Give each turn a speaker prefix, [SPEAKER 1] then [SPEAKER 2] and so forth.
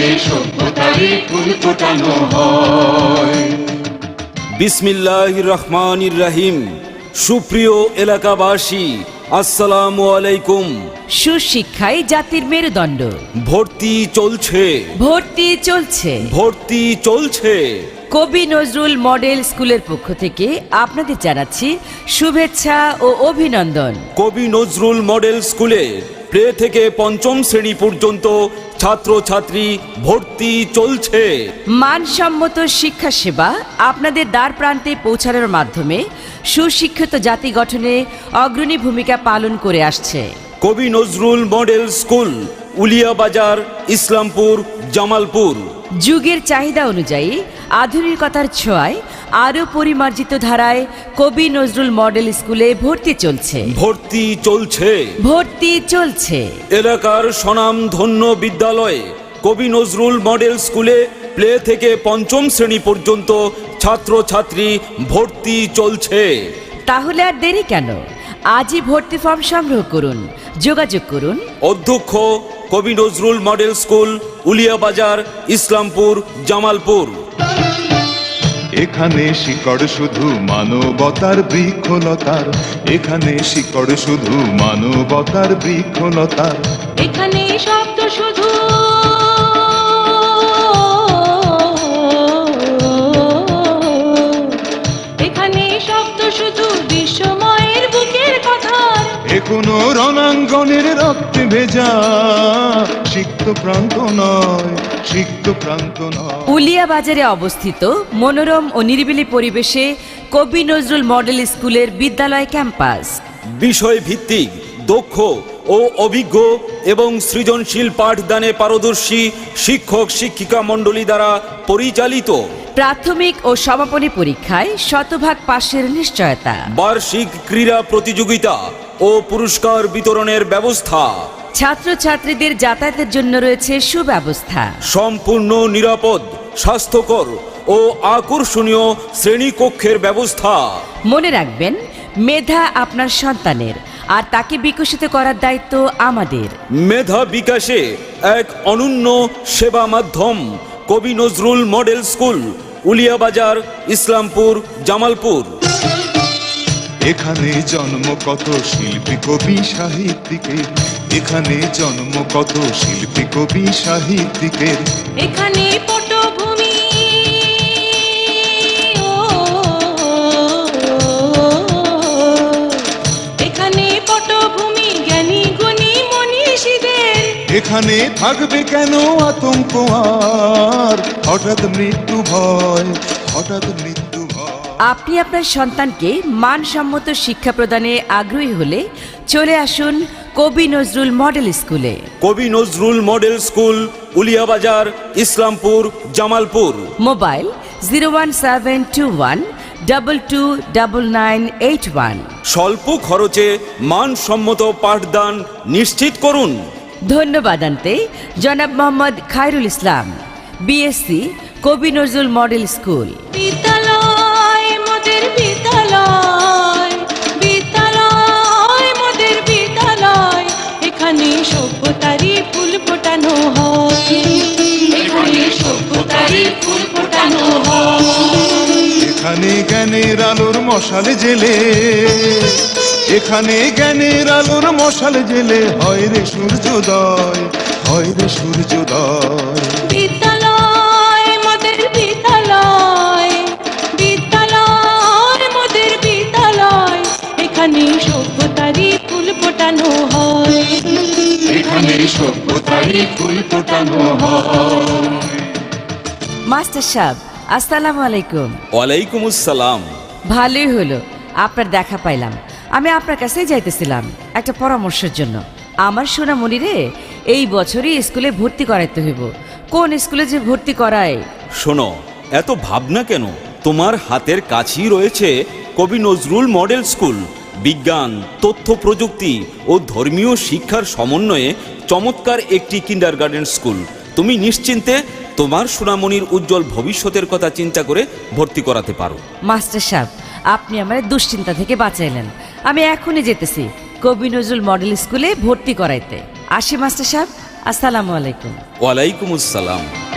[SPEAKER 1] সভ্যতারই ফুল ফোটানো হয়।
[SPEAKER 2] বিসমিল্লাহির রহমানির রহিম। সুপ্রিয় এলাকাবাসী, আসসালামু আলাইকুম।
[SPEAKER 3] সুশিক্ষাই জাতির মেরুদণ্ড।
[SPEAKER 2] ভর্তি চলছে,
[SPEAKER 3] ভর্তি চলছে,
[SPEAKER 2] ভর্তি চলছে।
[SPEAKER 3] কবি নজরুল মডেল স্কুলের পক্ষ থেকে আপনাদের জানাচ্ছি শুভেচ্ছা ও অভিনন্দন।
[SPEAKER 2] কবি নজরুল মডেল স্কুলে প্লে থেকে পঞ্চম শ্রেণী পর্যন্ত ছাত্রছাত্রী ভর্তি চলছে।
[SPEAKER 3] মানসম্মত শিক্ষা সেবা আপনাদের দ্বার প্রান্তে পৌঁছানোর মাধ্যমে সুশিক্ষিত জাতি গঠনে অগ্রণী ভূমিকা পালন করে আসছে।
[SPEAKER 2] Kabi Nazrul model school, Uliyabazar, Islampur, Jamalpur.
[SPEAKER 3] যুগের চাহিদা অনুযায়ী আধুনিকতার ছোঁয়ায় আরও পরিমার্জিত ধারায় কবি নজরুল মডেল স্কুলে ভর্তি চলছে,
[SPEAKER 2] ভর্তি চলছে,
[SPEAKER 3] ভর্তি চলছে।
[SPEAKER 2] এলাকার স্বনামধন্য বিদ্যালয়ে কবি নজরুল মডেল স্কুলে প্লে থেকে পঞ্চম শ্রেণী পর্যন্ত ছাত্রছাত্রী ভর্তি চলছে।
[SPEAKER 3] তাহলে আর দেরি কেন? আজই ভর্তি ফর্ম সংগ্রহ করুন, যোগাযোগ করুন।
[SPEAKER 2] অধ্যক্ষ, কবি নজরুল মডেল স্কুল, উলিয়াবাজার, ইসলামপুর, জামালপুর।
[SPEAKER 1] এখানে শিকড় শুধু মানবতার বৃক্ষলতার, এখানে শিকড় শুধু মানবতার বৃক্ষলতার,
[SPEAKER 4] এখানে শব্দ শুধু এখানে শব্দ শুধু বিশ্বময়ের বুকের কথার,
[SPEAKER 1] এখনো রণাঙ্গনের রক্তে ভেজা সিক্ত প্রান্ত নয়, সিক্ত প্রান্ত নয়।
[SPEAKER 3] উলিয়াবাজারে অবস্থিত মনোরম ও নিরিবিলি পরিবেশে কবি নজরুল মডেল স্কুলের বিদ্যালয় ক্যাম্পাস
[SPEAKER 2] বিষয় ভিত্তিক, দক্ষ ও অভিজ্ঞ এবং সৃজনশীল পাঠদানে পারদর্শী শিক্ষক শিক্ষিকা মণ্ডলী দ্বারা পরিচালিত।
[SPEAKER 3] প্রাথমিক ও সমাপনী পরীক্ষায় শতভাগ পাশের নিশ্চয়তা।
[SPEAKER 2] বার্ষিক ক্রীড়া প্রতিযোগিতা ও পুরস্কার বিতরণের ব্যবস্থা।
[SPEAKER 3] ছাত্রছাত্রীদের যাতায়াতের জন্য রয়েছে সুব্যবস্থা।
[SPEAKER 2] সম্পূর্ণ নিরাপদ, স্বাস্থ্যকর ও আকর্ষণীয় শ্রেণীকক্ষের ব্যবস্থা।
[SPEAKER 3] মনে রাখবেন, মেধা আপনার সন্তানের, আর তাকে বিকশিত করার দায়িত্ব আমাদের।
[SPEAKER 2] মেধা বিকাশে এক অনন্য সেবা মাধ্যম কবি নজরুল মডেল স্কুল, উলিয়াবাজার, ইসলামপুর, জামালপুর।
[SPEAKER 1] এখানে জন্ম কত শিল্পী কবি সাহিত্যিকের, এখানে জন্ম কত শিল্পী কবি সাহিত্যিকের,
[SPEAKER 4] এখানে পটভূমি এখানে পটভূমি জ্ঞানী গুণী মনীষীদের,
[SPEAKER 1] এখানে থাকবে কেন আতঙ্ক আর হঠাৎ মৃত্যু ভয়, হঠাৎ মৃত্যু ভয়।
[SPEAKER 3] আপনি আপনার সন্তানকে মানসম্মত শিক্ষা প্রদানে আগ্রহী হলে চলে আসুন কবি নজরুল মডেল স্কুলে।
[SPEAKER 2] Kabi Nazrul model school, Uliyabazar, Islampur, Jamalpur.
[SPEAKER 3] Mobile 01721229981।
[SPEAKER 2] স্বল্প খরচে মানসম্মত পাঠদান নিশ্চিত করুন।
[SPEAKER 3] ধন্যবাদ আনতে জনাব মোহাম্মদ খায়রুল ইসলাম, বিএসসি, কবি নজরুল মডেল স্কুল।
[SPEAKER 4] বিদ্যালয় মোদের বিদ্যালয়, বিদ্যালয় মোদের বিদ্যালয়, এখানে সভ্যতারই ফুল ফোটানো হয়, এখানে সভ্যতারই ফুল ফোটানো হয়।
[SPEAKER 1] এখানে জ্ঞানের আলোর মশাল জেলে, এখানে জ্ঞানের আলোর মশাল জেলে হয় রে সূর্যোদয়, হয় রে সূর্যোদয়।
[SPEAKER 4] বিদ্যালয় মোদের বিদ্যালয়, বিদ্যালয় মোদের বিদ্যালয়, এখানে সভ্যতারই ফুল ফোটানো হয়, এখানে সভ্যতারই ফুল ফোটানো হয়।
[SPEAKER 3] মাস্টার সাহেব, আসসালামু আলাইকুম।
[SPEAKER 2] ওয়ালাইকুম আসসালাম।
[SPEAKER 3] ভালোই হলো আপনার দেখা পাইলাম। আমি আপনার কাছেই যাইতেছিলাম একটা পরামর্শের জন্য। আমার সোনামণি রে এই বছরই স্কুলে ভর্তি করাইতে হইব। কোন স্কুলে যে ভর্তি করায়?
[SPEAKER 2] শোনো, এত ভাবনা কেন? তোমার হাতের কাছেই রয়েছে কবি নজরুল মডেল স্কুল। বিজ্ঞান, তথ্য প্রযুক্তি ও ধর্মীয় শিক্ষার সমন্বয়ে চমৎকার একটি কিন্ডারগার্টেন স্কুল। তুমি নিশ্চিন্তে তোমার সোনামণির উজ্জ্বল ভবিষ্যতের কথা চিন্তা করে ভর্তি করাতে পারো।
[SPEAKER 3] মাস্টার সাহেব, আপনি আমার দুশ্চিন্তা থেকে বাঁচাইলেন। আমি এখনই যেতেছি কবি নজরুল মডেল স্কুলে ভর্তি করাইতে। আসি মাস্টার সাহেব, আসসালামু আলাইকুম।
[SPEAKER 2] ওয়ালাইকুম আসসালাম।